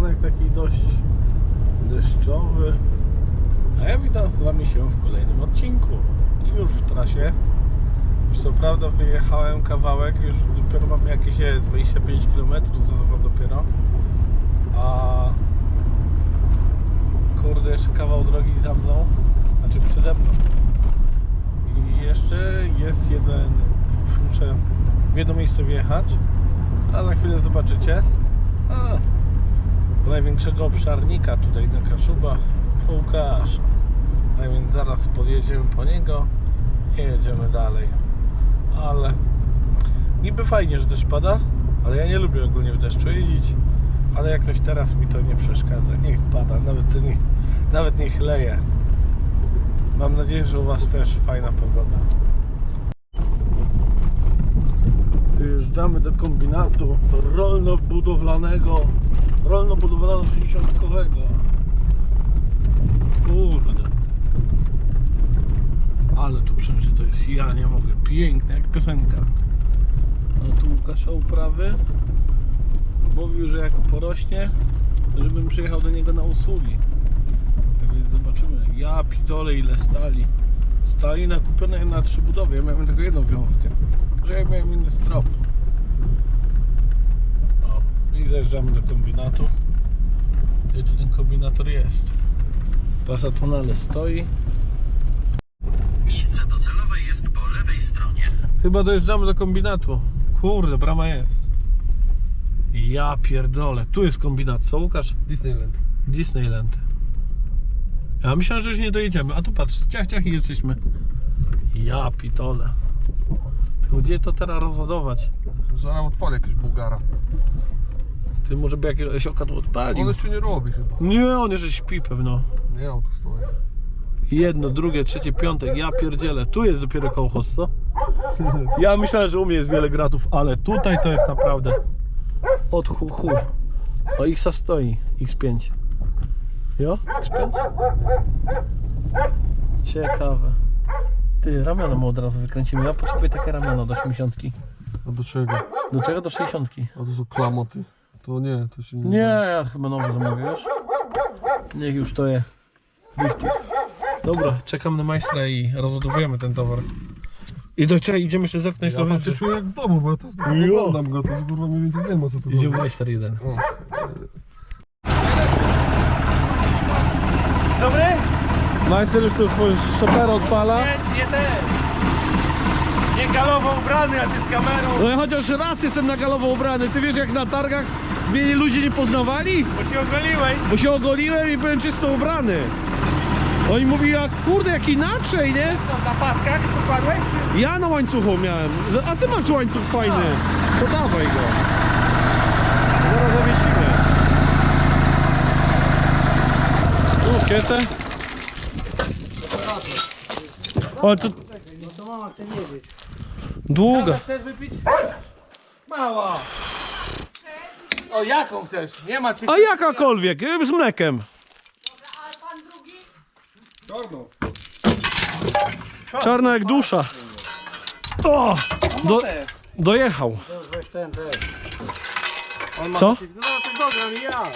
poranek taki dość deszczowy. A ja witam z Wami się w kolejnym odcinku. I już w trasie. Już co prawda wyjechałem kawałek, już dopiero mam jakieś 25 km, zasobam dopiero. A kurde, jeszcze kawał drogi za mną, znaczy przede mną. I jeszcze jest jeden, muszę w jedno miejsce wjechać, a za chwilę zobaczycie. Największego obszarnika tutaj na Kaszubach, Łukasz. Tak więc zaraz podjedziemy po niego i jedziemy dalej. Ale niby fajnie, że deszcz pada, ale ja nie lubię ogólnie w deszczu jeździć. Ale jakoś teraz mi to nie przeszkadza. Niech pada, nawet niech leje. Mam nadzieję, że u Was też fajna pogoda. Wyjeżdżamy do kombinatu rolno-budowlanego 60-kowego. Kurde. Ale tu przeżyto jest, ja nie mogę. Piękne, jak piosenka. No tu Łukasza uprawy. Mówił, że jak porośnie, żebym przyjechał do niego na usługi. Tak więc zobaczymy. Ja pitole ile stali. Stali nakupione na 3 budowy. Ja miałem tylko jedną wiązkę. Że ja miałem inny strop. O, i zajeżdżamy do kombinatu. Gdzie tu ten kombinator jest? Pasa tonale stoi. Miejsce docelowe jest po lewej stronie. Chyba dojeżdżamy do kombinatu. Kurde, brama jest. Ja pierdolę. Tu jest kombinat. Co, Łukasz? Disneyland. Ja myślałem, że już nie dojedziemy. A tu patrz, ciach i jesteśmy. Ja pitole. Tylko gdzie to teraz rozładować? Zaraz otworzę jakiegoś Bułgara. Ty może by jakiegoś okadu odpalił. On jeszcze nie robi chyba. Nie, on jeszcze śpi pewno. Nie, on tu stoi. Jedno, drugie, trzecie, piąte. Ja pierdzielę. Tu jest dopiero kołchoz, co? Ja myślałem, że u mnie jest wiele gratów, ale tutaj to jest naprawdę od hu. O, X stoi. X5. Jo? X5? Ciekawe. Ty, ramiona mu od razu wykręcimy. Ja potrzebuję takie ramiona do 80. A do czego? Do czego? Do 60. A to są klamoty. To nie, to się nie... Nie, ja chyba nowy zamówię, wiesz? Niech już to je. Dobra, czekam na majstra i rozładowujemy ten towar. I do czego idziemy jeszcze zerknąć Ja tak się czuję jak w domu, bo ja to oglądam go, to kurwa mniej więcej wiem, o co tu Idziemy chodzi. majster jeden. O. Dobry? Majster już tu swój szopera odpala. Nie ten. Nie galowo ubrany, a ty z kamerą. No ja chociaż raz jestem na galowo ubrany. Ty wiesz, jak na targach mnie ludzie nie poznawali? Bo się ogoliłeś. Bo się ogoliłem i byłem czysto ubrany. Oni mówili, jak kurde, jak inaczej, nie? Na paskach pokładłeś czy? Ja na łańcuchu miałem. A ty masz łańcuch fajny. To dawaj go. Zaraz zawiesimy. Tu kietę. O, to No to mama chce wiedzieć. długa. Chcesz wypić? Mała. O, jaką chcesz? Nie ma czy... A jakakolwiek, z mlekiem. Czarną. Czarna jak dusza. O! Dojechał. On ma Co? No to dobra, nie ja.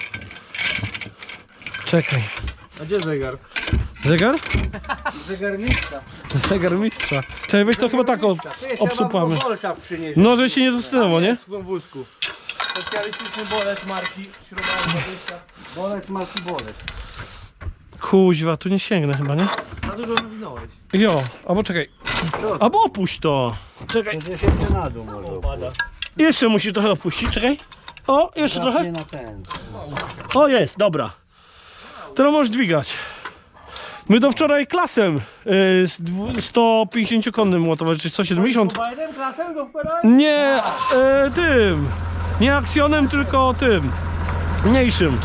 Czekaj. A gdzie zegar? Zegar? Zegarmistrza. Zegar mistrza. Czekaj, weź to chyba tak obsupamy. No, że się nie zastanęło, nie? W swoim wózku. Specjalistyczny bolet marki śrubowa 20. Bolek, marki bolek. Kuźwa, tu nie sięgnę chyba, nie? Za dużo nawinąłeś. Jo, albo czekaj. Albo opuść to. Czekaj. To się jeszcze na dół może. Upada. Jeszcze musisz trochę opuścić, czekaj. O, jeszcze trochę. Nie na ten. O, jest, dobra. Teraz możesz dźwigać. My do wczoraj klasem z 150-konnym ładować, czy 170. Bajnem klasem go wkładałeś? Nie, tym. Nie aksjonem, tylko tym. Mniejszym.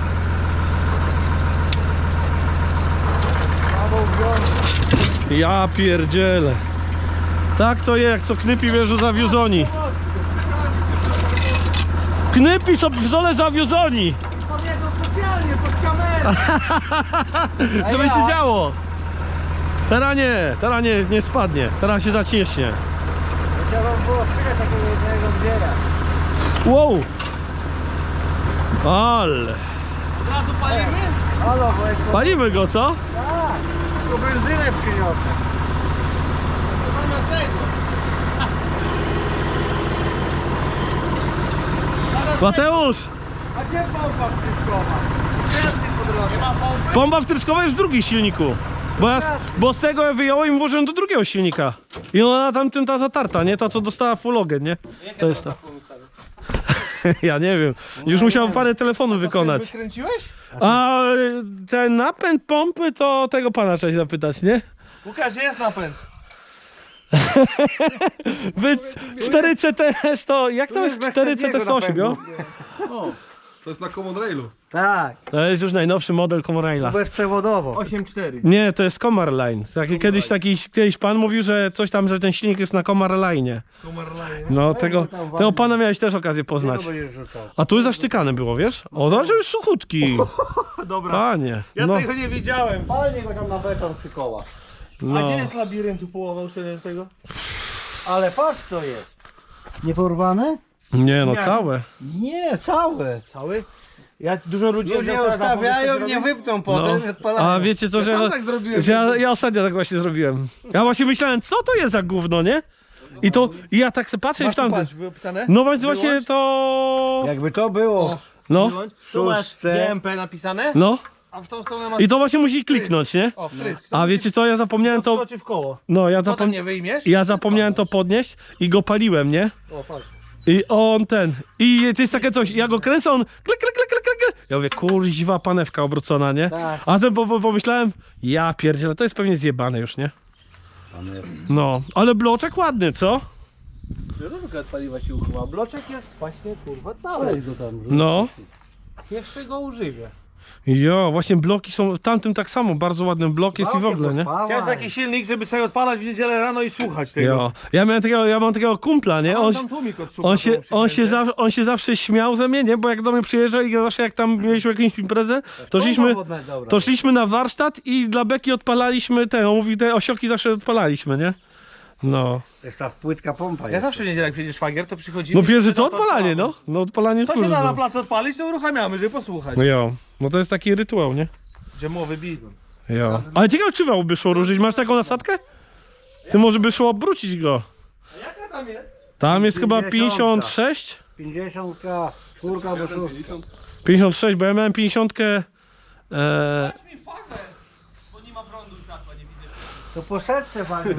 Ja pierdzielę. Tak to je, jak co Knypi wierzą zawiózoni. Knypi co w zole zawiózoni. Pamiętam specjalnie pod kamerę. Żeby się działo. Teraz nie spadnie. Teraz się zaciśnie. Trzeba było chwilę takiego jednego zbierać. Wow. Ale. Od razu palimy? Halo, bo jest Palimy go, co? tak, tylko benzynę przyniosę. Zamiast tego. Mateusz! A gdzie pompa wtryskowa? Gwiazdy po drodze. Nie ma pompy? Pompa wtryskowa jest w drugim silniku. Bo z tego ja wyjąłem i włożyłem do drugiego silnika. I ona tamtym ta zatarta, nie? Ta co dostała fulogę, nie? To jest to. Ja nie wiem. Już musiał parę telefonów wykonać. Wykręciłeś? A ten napęd pompy to tego pana trzeba się zapytać, nie? Łukasz, gdzie jest napęd? Wy 4CTS to... Jak to jest bez 4CTS8, takiego jo? O, To jest na Common Railu. Tak, To jest już najnowszy model Comoraila. bezprzewodowo. 8.4. Nie, to jest Comar Line. Kiedyś pan mówił, że coś tam, że ten silnik jest na Comar Line. No, tego pana miałeś też okazję poznać. Czego będziesz rzucał? A tu zasztykane było, wiesz? O, zobacz, że już suchutki. Dobra. Panie. Ja No, tego nie wiedziałem. Palnie go tam na beton przy kołach. A no. gdzie jest labiryntu połowa uszczelniającego? Ale patrz co jest. Nie porwane? Nie, no Nie. całe. Nie, całe. Cały? Ja dużo ludzi Ludzie ustawiają, nie wypną potem i odpalają. A wiecie co, że, sam tak zrobiłem. że ja ostatnio tak właśnie zrobiłem. Ja właśnie myślałem, co to jest za gówno, nie? I ja tak sobie patrzę i Masz w tu, tamtym. patrz, wypisane? No więc właśnie Wyłącz. to... Jakby to było. No, Wyłącz. Tu masz Szóstce. GMP napisane, no. a w tą stronę masz... I to właśnie musi kliknąć, nie? O, wtrysk. A wiecie co, ja zapomniałem to... Wskoczy w koło. No, Potem nie wyjmiesz? ja zapomniałem to podnieść i go paliłem, nie? O, patrz. I on ten. I to jest takie coś, ja go kręcę, on klik, klik, klik, klik, klik. Ja mówię, kurziwa panewka obrócona, nie? Tak. A potem pomyślałem, ja pierdzielę, to jest pewnie zjebane już, nie? No, ale bloczek ładny, co? Żarówka od paliwa się uchyła. Bloczek jest właśnie, kurwa, cały. Weź go tam. No. Pierwszy go używię. Jo, właśnie bloki są, w tamtym tak samo, bardzo ładny blok jest i w ogóle, nie? Chciałem taki silnik, żeby sobie odpalać w niedzielę rano i słuchać tego. Jo. Ja mam takiego kumpla, nie? On tam tłumik odsłucha, On się zawsze śmiał ze mnie, nie? Bo jak do mnie przyjeżdżał i zawsze jak tam mieliśmy jakąś imprezę, to szliśmy na warsztat i dla beki odpalaliśmy te, on mówi, te osioki zawsze odpalaliśmy, nie? No. Jest ta płytka pompa. Ja jest. zawsze w niedzielę jak przyjedzie szwagier, to przychodzimy... No pierwsze co? to Odpalanie, odpalamy. no. No odpalanie Co się da kurde. na placu odpalić, to uruchamiamy, żeby posłuchać. No jo. No to jest taki rytuał, nie? Dżemowy bizon. Jo. Ale ciekawe czy by szło ruszyć. Masz taką nasadkę? Ty może by szło obrócić go. A jaka tam jest? Tam jest chyba 50. 56? 50, czwórka albo szóstka. 56, bo ja miałem 50. Dać mi fazę, bo nie ma prądu i światła, nie widzę. To po setce fajnie.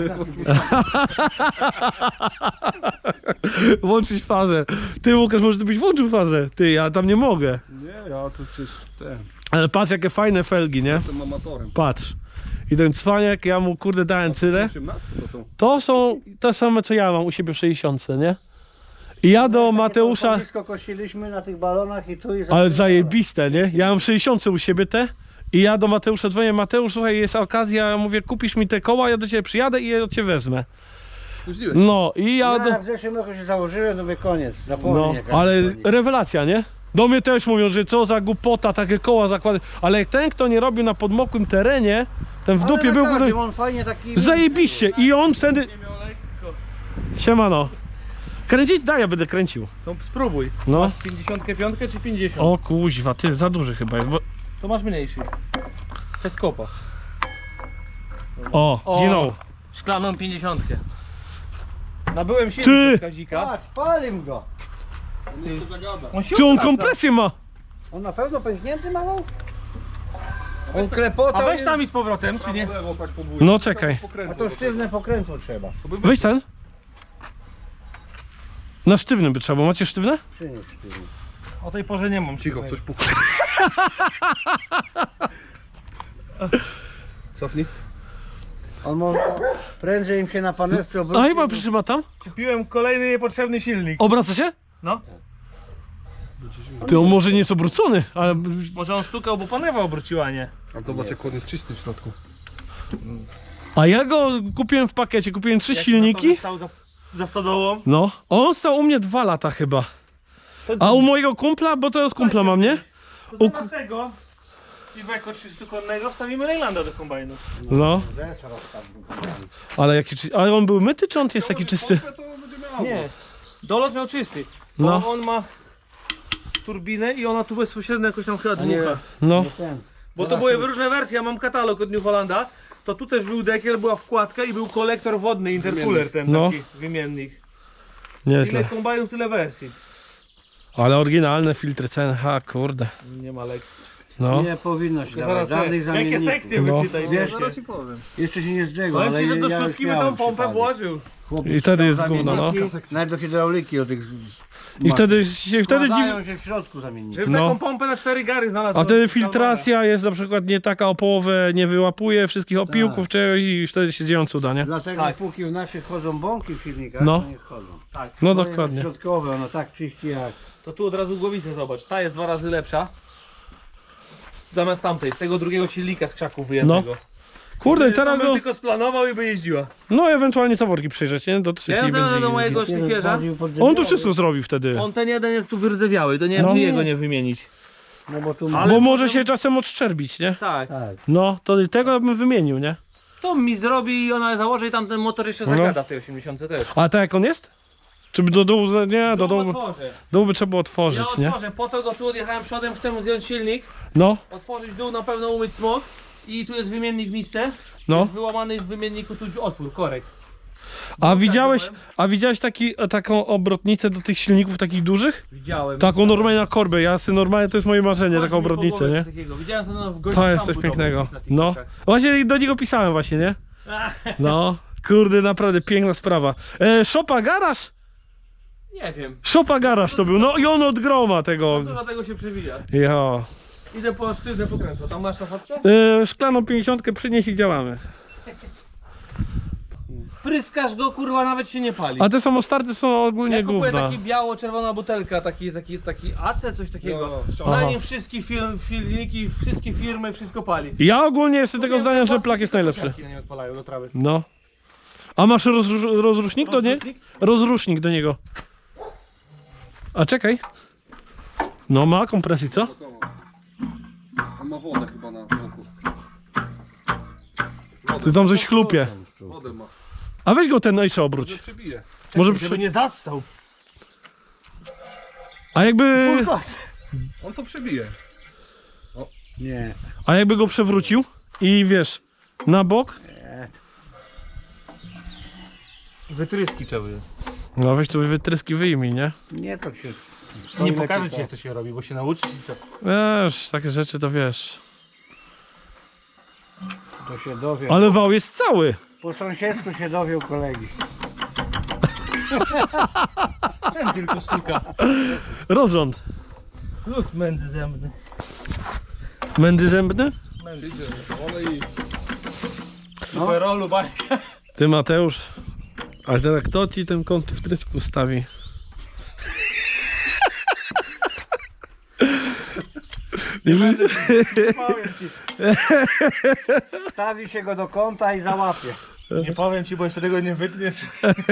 Włączyć fazę. Ty Łukasz, może ty byś włączył fazę. Ty, ja tam nie mogę. Nie, ja to przecież ten. Ale patrz jakie fajne felgi, nie? Jestem amatorem. Patrz. I ten cwaniak, ja mu kurde dałem cylę. 18 to są. To są te same co ja mam u siebie w 60, nie? I ja do Mateusza... Blisko kosiliśmy na tych balonach i tu i Ale zajebiste, nie? Ja mam 60 u siebie te. I ja do Mateusza dzwonię, Mateusz, słuchaj, jest okazja, ja mówię, kupisz mi te koła, ja do ciebie przyjadę i je od ciebie wezmę. Spóźniłeś. No i ja do... Ja w zeszłym roku się założyłem, to mówię koniec. Zapomnij. No, jaka ale dzwoni. rewelacja, nie? Do mnie też mówią, że co za głupota, takie koła zakłady. Ale jak ten, kto nie robił na podmokłym terenie, ten w Ale dupie na był... każdym, on fajnie taki... Zajebiście i on wtedy... Nie miał lekko. Siemano. Kręcić? Daj, ja będę kręcił. To spróbuj. No. Masz 55 czy 50? O kuźwa, ty za duży chyba jest, bo... To masz mniejszy. Przez kopa. O, ginął. Szklaną 50. Nabyłem Ty! silnik od Kazika. Patrz, palim go. On się Czy on obraca. kompresję ma? On na pewno pęknięty mało? On klepotał. A weź tam i z powrotem, czy nie? Lewo tak po bójnie. No czekaj. A to sztywne pokrętło trzeba. Weź ten. Na sztywnym by trzeba, bo macie sztywne? Czy nie sztywne? O tej porze nie mam. Cicho, coś pukło. Cofnij. On może prędzej im się na panewce A obróci. chyba przytrzyma tam. Kupiłem kolejny niepotrzebny silnik. Obraca się? No. Ty, on może nie jest obrócony, ale... Może on stukał, bo panewa obróciła, nie? A zobacz jak on jest czysty w środku. A ja go kupiłem w pakiecie, kupiłem 3 Jak silniki. stał za stodołą. No, on stał u mnie 2 lata chyba. A u mojego kumpla, bo to od kumpla mam, nie? To zamiast tego piweko 300-konnego wstawimy Reylanda do kombajnu. No, Zesra rozstawił. ale jaki ale on był myty, czy on jest taki czysty? To będzie miał. Nie. Dolot miał czysty. No. Bo on ma turbinę i ona tu bezpośrednio jakoś tam chyba A nie, dmucha. No. nie ten. Bo to były różne wersje, ja mam katalog od New Hollanda. To tu też był dekiel, była wkładka i był kolektor wodny, intercooler ten No. taki wymiennik. Nieźle. Ile kombajnów, tyle wersji. Ale oryginalne filtry CNH, kurde. Nie ma lek. No. Nie powinno się Zaraz dawać żadnych jakie zamienników. sekcje No. wyczytaj, Wiesz, zaraz ci powiem. Jeszcze się nie zdrzegło, Powiem ale ci, że do ja już szóstki by tą miałem pompę przypadek. włożył. Chłopiec I wtedy jest chciał gówno, no. zamienniki, nawet do hydrauliki, do tych... I wtedy się Składają się w środku zamienniki. Żeby No. taką pompę na 4 gary znalazł. A wtedy filtracja jest na przykład nie taka o połowę, nie wyłapuje wszystkich opiłków czegoś i wtedy się dzieją cuda, nie? Dlatego Tak. póki w naszych chodzą bąki w silnikach, No. to nie chodzą. Tak. No To jest dokładnie. środkowe, ono tak czyści jak... To tu od razu głowicę zobacz. Ta jest 2 razy lepsza. Zamiast tamtej, z tego drugiego silnika z krzaków wyjętego. Kurde, i teraz bym go... tylko splanował i by jeździła. No ewentualnie zaworki przejrzeć, nie? Do trzeciej Ja będzie... do mojego Jeden szlifierza. bardziej podrzewiały. On to wszystko zrobi wtedy. On ten jeden jest tu wyrdzewiały, to nie wiem No. czy jego nie wymienić. No bo tu... Ale Bo może potem- się czasem odszczerbić, nie? Tak. Tak. No, to tego bym wymienił, nie? To mi zrobi i ona założy i tam ten motor jeszcze No. zagada w tej 80 też. A tak jak on jest? Czy by do dołu... Nie, do dołu... Otworzę. Dół by trzeba było otworzyć, Ja nie? otworzę, po to go tu odjechałem przodem, chcę mu zdjąć silnik, No, otworzyć dół, na pewno umyć smog i tu jest wymiennik w misce. no. Jest wyłamany w wymienniku tu otwór, korek. A widziałeś taką obrotnicę do tych silników takich dużych? Widziałem. Taką normalnie na korbę, ja sobie normalnie, to jest moje marzenie, Chodź taką mi po obrotnicę, głowie nie? coś takiego. Widziałem to w To jest coś pięknego. No, właśnie do niego pisałem właśnie, nie? No, kurde, naprawdę piękna sprawa. Szopa garaż? Nie wiem. Szopa garaż to był, no i on od groma tego. Dużo tego się przewija. Jo. Idę po sztywne pokrętło. Tam masz szafotkę? Szklaną 50 przynieś i działamy. Pryskasz go, kurwa, nawet się nie pali. A te samostarty są ogólnie Ja kupuję gówna. taki biało-czerwona butelka, taki AC, coś takiego. No, Na Aha. nim wszystkie filmiki, wszystkie firmy, wszystko pali. Ja ogólnie jestem tego Kupiłem zdania, że płaskie plak jest tylko najlepszy. kosiarki na nim odpalają do trawy. No. A masz rozrusznik do niego? Rozrusznik? Rozrusznik do niego. A czekaj. No ma kompresji, co? On ma wodę chyba na boku. Ty tam coś chlupie. Wodę ma. A weź go ten jeszcze obróć. Może przebije. Może Żeby nie zassał. A jakby... On to przebije. Nie. A jakby go przewrócił i wiesz, na bok. Wytryski trzeba by. No weź tu wytryski wyjmij, nie? Nie, to się... Nie pokażę ci jak to się robi, bo się nauczysz i co. Wiesz, takie rzeczy to wiesz. To się dowie. Ale wał jest cały. Po sąsiedzku się dowiał kolegi. Ten tylko stuka. Rozrząd. Plus mędzy zębny. Mędy zębny? Przyjdzie, ale i... Superolu, bajka. Ty Mateusz. Ale teraz kto ci ten kąt w trysku stawi? Powiem ci. Stawi się go do kąta i załapie. Nie powiem ci, bo jeszcze tego nie wytniesz.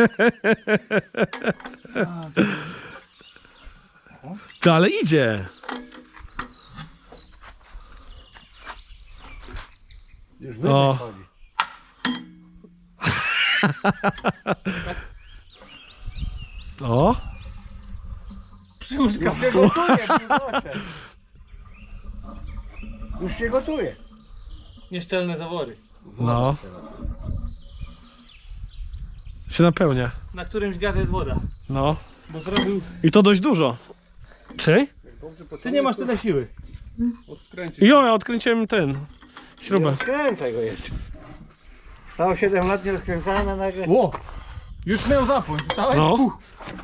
Ty, ale idzie. Już O. wydech chodzi. O. Przyłóżka. Już się gotuje, proszę. Już się gotuje. Nieszczelne zawory. No. Się napełnia. Na którymś garze jest woda. No. Bo zrobił... I to dość dużo. Czy? Ty nie masz tyle siły. Odkręcić. Jo, ja odkręciłem ten. Śrubę. Rozkręcaj go jeszcze. Stało 7 lat nie rozkręcana nagle. Ło! Już miał zapłon, słyszałeś? No.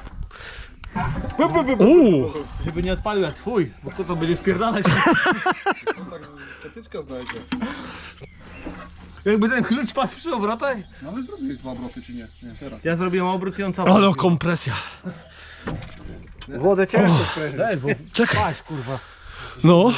Uuu. Żeby nie odpalił jak twój, bo kto to będzie spierdalać. Tak zatyczka znajdzie. Jakby ten klucz padł przy obrotach. No ale zrobiłeś 2 obroty czy nie? Nie, teraz. Ja zrobiłem obrót i on co? Ale kompresja. Wodę ciężko sprężyć. Daj, bo Czekaj. paść kurwa. No.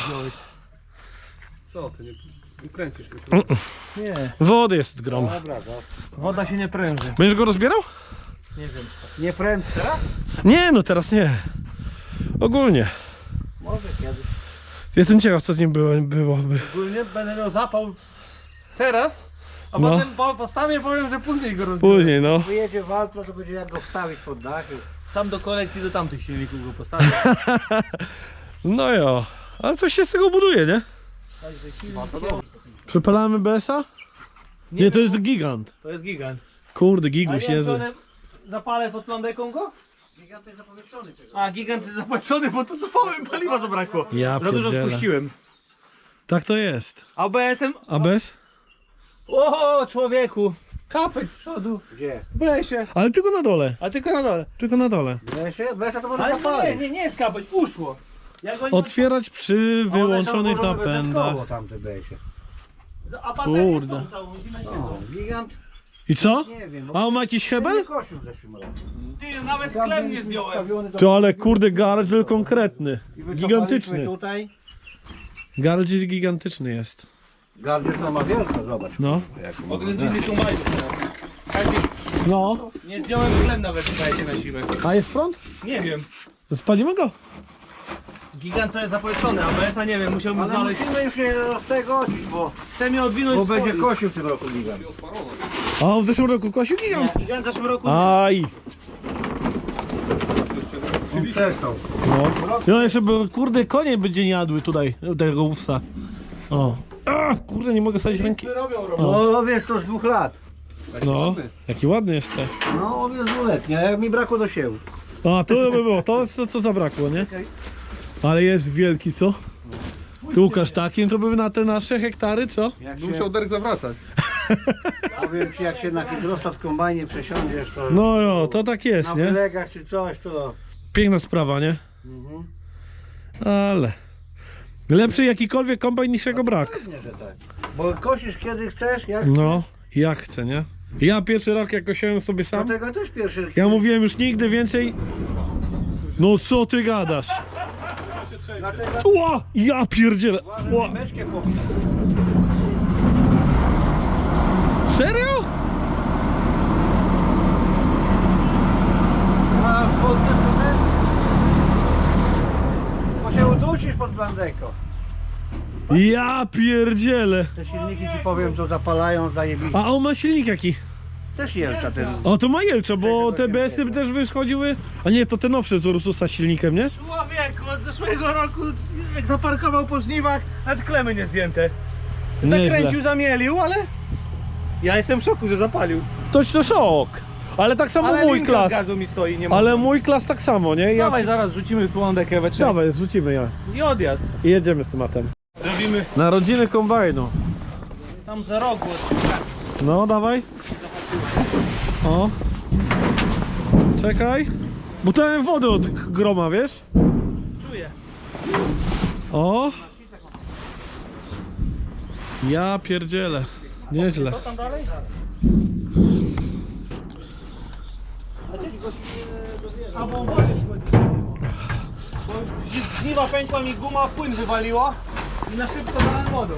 Co ty, nie kręcisz tylko. Nie. Wody jest grom. Dobra, dobra. Woda się nie pręży. Będziesz go rozbierał? Nie wiem. Nie prędko. Nie, no teraz nie. Ogólnie. Może kiedyś. Jestem ciekaw, co z nim byłoby. Ogólnie będę miał zapał teraz, a No. potem postawię powiem, że później go rozbiorę. Później, no. Wyjedzie w Altro, to będzie jak go wstawić pod dachy. Tam do kolekcji do tamtych silników go postawię. No jo, ale coś się z tego buduje, nie? Przepalamy BS-a? Nie, to jest gigant. To jest gigant. Kurde, A giguś nie, jest. to one zapalę pod plandeką go? Gigant jest zapowietrzony czegoś. A, gigant jest zapłacony, bo tu cofałem, paliwa zabrakło. Ja Za dużo pierdzielę. spuściłem. Tak to jest. ABS-em? ABS? O, człowieku! Kapek z przodu. Gdzie? BS-ie. Ale tylko na dole. A tylko na dole. Tylko na dole. Besa to może Ale zapalić. nie jest kapek, uszło. Ja go nie Otwierać przy wyłączonych napędach. Tamte besie. A baterię Kurde. są całą zimę No, siedzą. gigant, I co? nie wiem. A on ma jakiś Nie hebel? kosił w zeszłym roku. Ty, nawet klem nie zdjąłem. To ale kurde gardziel konkretny. I wycofaliśmy Gigantyczny. tutaj. Gardziel gigantyczny jest. Gardziel to ma wielko, zobacz. No. Jak ma- Oględziny tu mają teraz. Kazik, No. nie zdjąłem klem nawet, słuchajcie, na zimę. A jest prąd? Nie wiem. Spalimy go? Gigant to jest zapowietrzony, ABS-a nie wiem, musiałbym Ale znaleźć. musimy już się z tego odcić, bo Chcę mnie odwinąć z będzie foli. kosił w tym roku gigant. A on w zeszłym roku kosił gigant. Nie, gigant w zeszłym roku. Aj. On przestał. No. No jeszcze by, kurde konie będzie nie jadły tutaj tego owsa. O. A, kurde nie mogę sadzić ręki. Robią robotę. No owiec to z 2 lat. No. Jaki ładny jeszcze. No owiec 2-letni, a jak mi brakło do siewu. A to by było, to co zabrakło, nie? Ale jest wielki, co? Tu Łukasz takim to by na te nasze hektary, co? Jak Musiał się, Derek zawracać. powiem ci, jak się na hydrosta w kombajnie przesiądziesz, to No jo, to tak jest, na nie? wylegach czy coś, to... Piękna sprawa, nie? Mhm. Ale... Lepszy jakikolwiek kombajn niż jego brak. Pewnie, że tak. Bo kosisz kiedy chcesz, jak No, jak chcę, nie? Ja pierwszy rok jak kosiłem sobie sam, Dlatego też pierwszy... ja mówiłem już nigdy więcej... No co ty gadasz? Dlatego Ła! Ja pierdzielę! Ła. meczkę popnę. Serio? A podniesz to też? Bo się udusisz pod blandeką. Ja pierdzielę! Te silniki ci powiem, to zapalają zajebiście. A on ma silnik jaki? Też jelcza ten. O, to ma Jelcza, bo te BS-y też wychodziły... A nie, to te nowsze z Ursusa silnikiem, nie? Człowieku, od zeszłego roku, jak zaparkował po żniwach, nawet klemy nie zdjęte. Nieźle. Zakręcił, zamielił, ale... Ja jestem w szoku, że zapalił. To szok! Ale tak samo Ale mój linka klas. gazu mi stoi, nie ma. Ale mój klas tak samo, nie? Ja Dawaj, zaraz rzucimy plandekę we trzech. Dawaj, zrzucimy ją. I odjazd. I jedziemy z tematem. Robimy Narodziny kombajnu. tam za rogu. No, dawaj. O. Czekaj. Bo to mam wodę od groma, wiesz? Czuję. O. Ja pierdzielę. Nieźle. Co tam dalej? Albo wodę schodzi. Bo z żniwa pękła mi guma, płyn wywaliło i na szybko dałem wodą.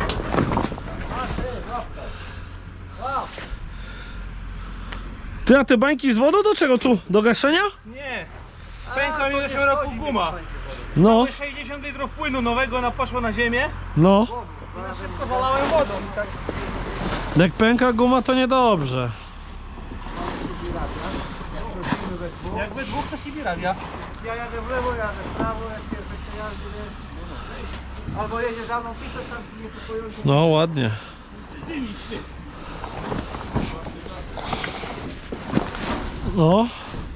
Ty, a te bańki z wodą do czego tu? Do gaszenia? Nie. Pękła mi w zeszłym roku guma. No, 60 litrów płynu nowego poszło na ziemię no. i na szybko zalałem wodą. I tak Jak pęka guma, to niedobrze. jakby dwóch to Sibiradia. Ja jadę w lewo, jadę w prawo, jak pierwszy jazdy, wiesz. Albo jedzie za mną, pisać tam nie kupują. No, ładnie. No.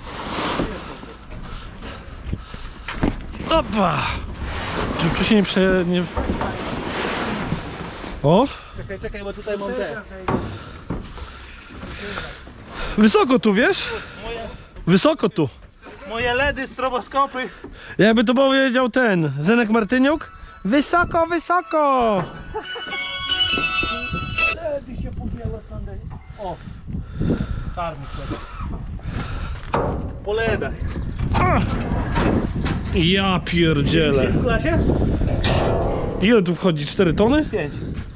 Opa! Żeby tu się nie prze... Nie... O! Czekaj, bo tutaj mam te. Wysoko tu, wiesz? Wysoko tu. Moje LEDy, stroboskopy. Jakby to powiedział ten Zenek Martyniuk. Wysoko, wysoko! LEDy się podjęły tam. O! Czarny chleb. Po LEDach. Ja pierdzielę. W klasie? Ile tu wchodzi? 4 tony? 5.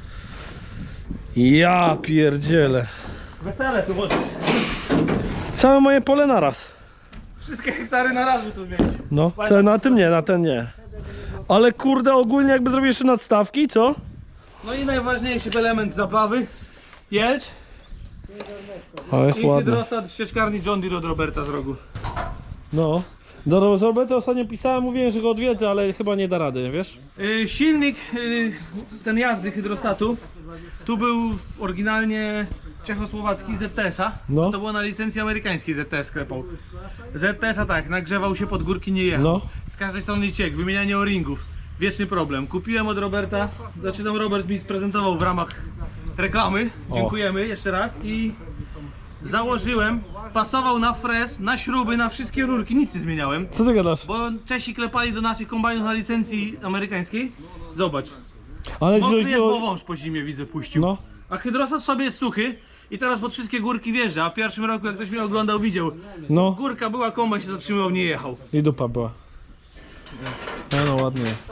Ja pierdzielę. Wesele tu może. Całe moje pole naraz. Wszystkie hektary na raz by tu zmieścić. No, na tym nie, na ten nie. Ale kurde, ogólnie jakby zrobił jeszcze nadstawki, co? No i najważniejszy element zabawy. Jelcz O, jest i ładne. hydrostat ścieczkarni John Deere od Roberta z rogu. No. Do Roberta ostatnio pisałem, mówiłem, że go odwiedzę, ale chyba nie da rady, wiesz? Silnik, ten jazdy hydrostatu, tu był oryginalnie czechosłowacki ZTS-a. No. To było na licencji amerykańskiej ZTS sklepał. ZTS-a tak, nagrzewał się pod górki, nie jechał. No. Z każdej strony ciek, wymienianie o-ringów. Wieczny problem. Kupiłem od Roberta, znaczy tam Robert mi sprezentował w ramach reklamy. Dziękujemy jeszcze raz i założyłem, pasował na frez, na śruby, na wszystkie rurki, nic nie zmieniałem. Co ty gadasz? Bo Czesi klepali do naszych kombajnów na licencji amerykańskiej. Zobacz. Ale Mokry że- jest, bo wąż po zimie widzę puścił. No. A hydrostat sobie jest suchy i teraz pod wszystkie górki wjeżdża. A w pierwszym roku, jak ktoś mnie oglądał, widział. No. Górka była, kombajn się zatrzymał, nie jechał. I dupa była. No ładnie jest.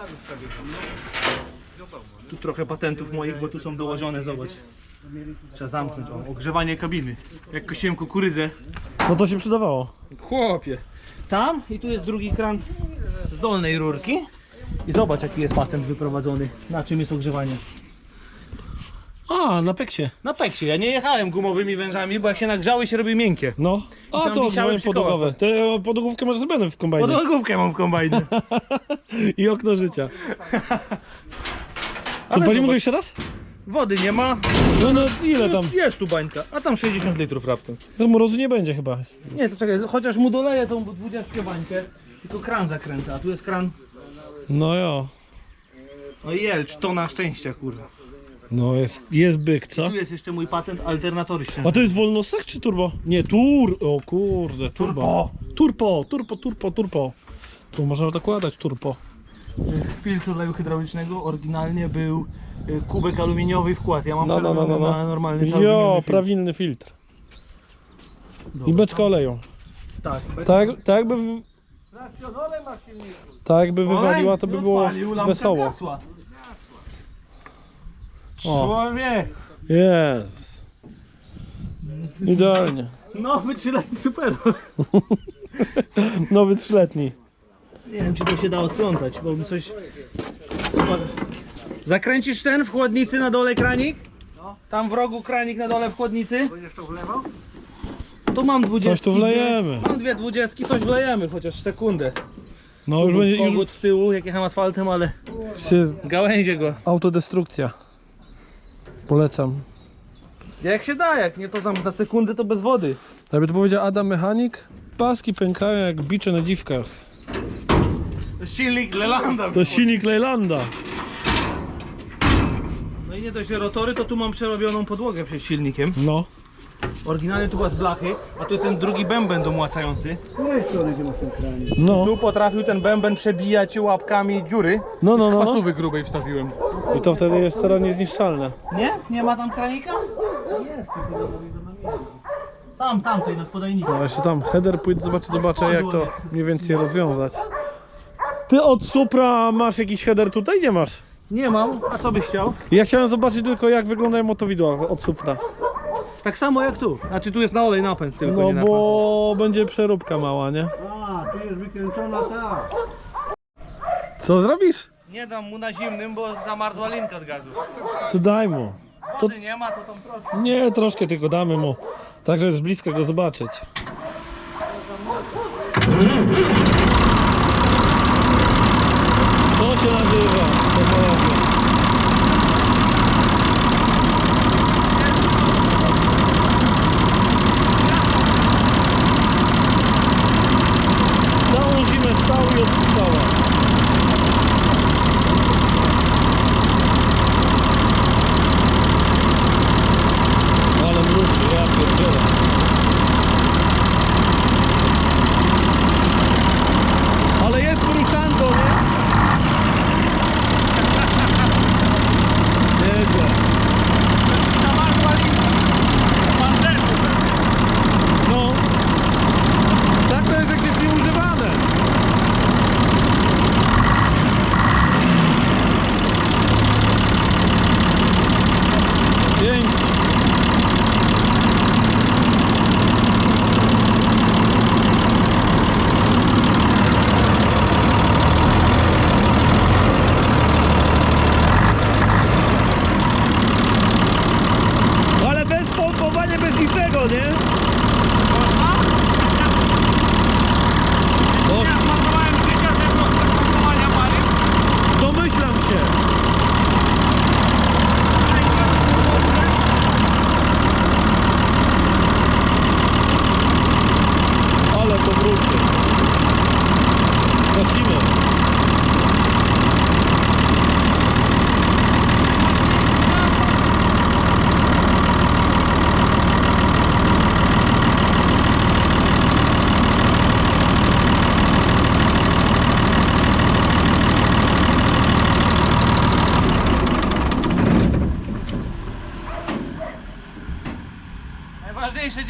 Tu trochę patentów moich, bo tu są dołożone, zobacz. Trzeba zamknąć, o, ogrzewanie kabiny. Jak kosiłem kukurydzę. No to się przydawało. Chłopie. Tam i tu jest drugi kran z dolnej rurki. I zobacz, jaki jest patent wyprowadzony. Na czym jest ogrzewanie. A, na peksie. Na peksie. Ja nie jechałem gumowymi wężami, bo jak się nagrzały, się robi miękkie. No. A tam to wisiały odżyłem przy kołach. podłogowe. Te podłogówkę masz zrobione w kombajnie. Podłogówkę mam w kombajnie. I okno życia. Co, Ale palimy zobacz. go jeszcze raz? Wody nie ma. No ile tam? Jest tu bańka, a tam 60 litrów raptem. No mrozu nie będzie chyba. Nie, to czekaj, chociaż mu doleję tą 20 bańkę, tylko kran zakręca, a tu jest kran. No jo. No i jelcz, tona szczęścia, kurwa. No jest byk, co? Tu jest jeszcze mój patent, alternatory ściężne. A to jest wolnostek czy turbo? Nie, o kurde, turbo. Turbo. Tu można dokładać turbo. Filtr oleju hydraulicznego oryginalnie był kubek aluminiowy wkład. Ja mam No. na normalny cały Jo, wymienny filtr. prawilny filtr. Dobra. I beczka oleju. Tak. Tak jakby wywaliła, to by było Odpalił, lampka wesoło. zgasła. Człowiek! Jest. Idealnie. Nowy 3-letni super. Nowy 3-letni. Nie wiem, czy to się da odplątać, bo mi coś... Zakręcisz ten w chłodnicy na dole kranik? Tam w rogu kranik na dole w chłodnicy. Będziesz to wlewał? Tu mam 20. Coś tu wlejemy. Mam 2 20, coś wlejemy, chociaż sekundę. No już będzie, Kogut z tyłu, jak jechałem asfaltem, ale się gałęzie go. autodestrukcja. Polecam. Jak się da, jak nie to tam na sekundę to bez wody. Jakby to powiedział Adam Mechanik, paski pękają jak bicze na dziwkach. Silnik Lelanda. To silnik Leylanda. No i nie dość, że rotory, to tu mam przerobioną podłogę przed silnikiem. No. Oryginalnie tu była z blachy, a tu jest ten drugi bęben domłacający. No. Tu potrafił ten bęben przebijać łapkami dziury. No. Z kwasówy grubej wstawiłem. I to wtedy jest teraz niezniszczalne. Nie? Nie ma tam kranika? Tam, tamtej nad podajnikiem. No jeszcze tam header pójdę, zobaczę jak to mniej więcej rozwiązać. Ty od Supra masz jakiś header tutaj? Nie masz. Nie mam, a co byś chciał? Ja chciałem zobaczyć tylko jak wyglądają motowidła od Supra. Tak samo jak tu. Znaczy tu jest na olej napęd tylko, No nie napęd. bo będzie przeróbka mała, nie? A, tu jest wykręcona ta. Co zrobisz? Nie dam mu na zimnym, bo zamarzła linka od gazu. To daj mu. Wody nie ma, to tam trochę. Nie, troszkę tylko damy mu. Tak, żeby z bliska go zobaczyć. To się nazywa. Technologia. Całą zimę stał i odpuszczała. Ale mruczy, ja pierdzielę. Ale jest mruczanko, nie?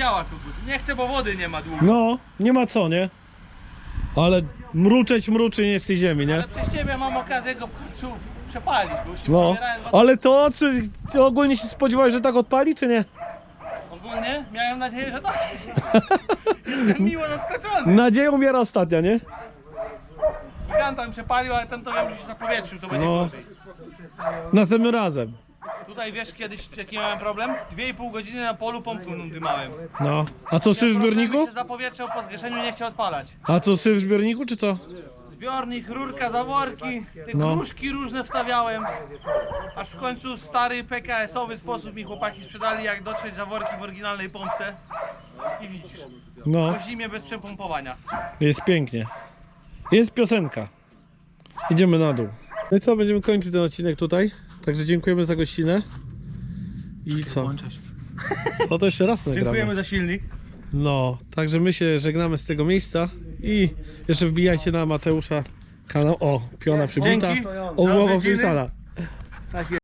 działa kogut. Nie chcę, bo wody nie ma długo. No, nie ma co, nie? Ale mruczy nie z tej ziemi, nie? Ale przez ciebie mam okazję go w końcu przepalić, bo już się No, przebierałem. ale to, czy ty ogólnie się spodziewałeś, że tak odpali, czy nie? Ogólnie miałem nadzieję, że tak. Jestem miło zaskoczony. Nadzieja umiera ostatnia, nie? Giganta mi przepalił, ale ten to wiem, że się zapowietrzył, to będzie No. gorzej. Następnym razem. Tutaj wiesz kiedyś jaki miałem problem? 2,5 godziny na polu pompą dymałem. No. A co, syf w zbiorniku? się zapowietrzył po zgaszeniu, nie chciał odpalać. A co, syf w zbiorniku, czy co? Zbiornik, rurka, zaworki, te No. gruszki różne wstawiałem. Aż w końcu stary PKS-owy sposób mi chłopaki sprzedali, jak dotrzeć zaworki w oryginalnej pompce. I widzisz, No, po zimie bez przepompowania. jest pięknie. Jest piosenka. Idziemy na dół. No i co, będziemy kończyć ten odcinek tutaj. Także dziękujemy za gościnę. I co? No to jeszcze raz nagramy. Dziękujemy za silnik. No, także my się żegnamy z tego miejsca i jeszcze wbijajcie na Mateusza kanał. O, piona przybita. Dzięki. O, głowa Odwiedziny. wpisana.